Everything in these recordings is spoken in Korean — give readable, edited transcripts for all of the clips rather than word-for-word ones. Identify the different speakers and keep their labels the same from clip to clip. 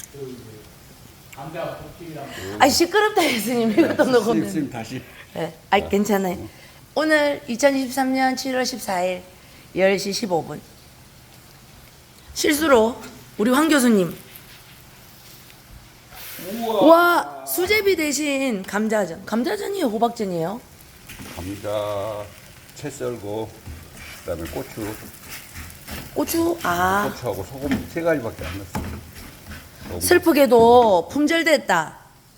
Speaker 1: 감자 볶음이랑
Speaker 2: 아이 시끄럽다 예수님 이것도 녹으면.
Speaker 3: 선생님 다시.
Speaker 2: 네. 아이 괜찮아요. 오늘 2023년 7월 14일 10시 15분 실수로 우리 황 교수님 와 수제비 대신 감자전. 감자전이에요 호박전이에요?
Speaker 3: 감자 채 썰고 그다음에 고추,
Speaker 2: 고추 아
Speaker 3: 고추하고 소금 3가지밖에 안 넣었어. 소금.
Speaker 2: 슬프게도 품절됐다.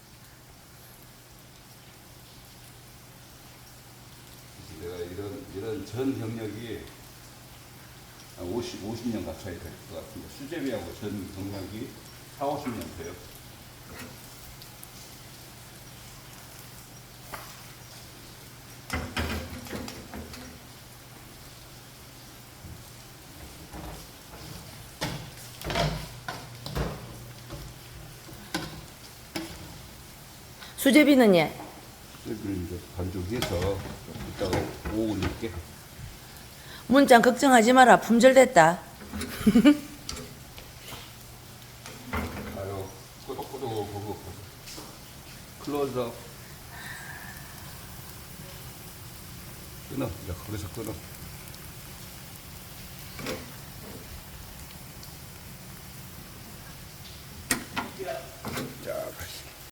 Speaker 3: 내가 이런 전 경력이 한 50년 가까이 될 것 같은데 수제비하고 전 경력이 4, 50년 돼요.
Speaker 2: 수제비는 예.
Speaker 3: 수제비를 이제 반죽해서 이따가 오후 늦게
Speaker 2: 문장 걱정하지 마라 품절됐다.
Speaker 3: 아유 꼬독꼬독 클로즈업 끊어. 이제 거기서 끊어.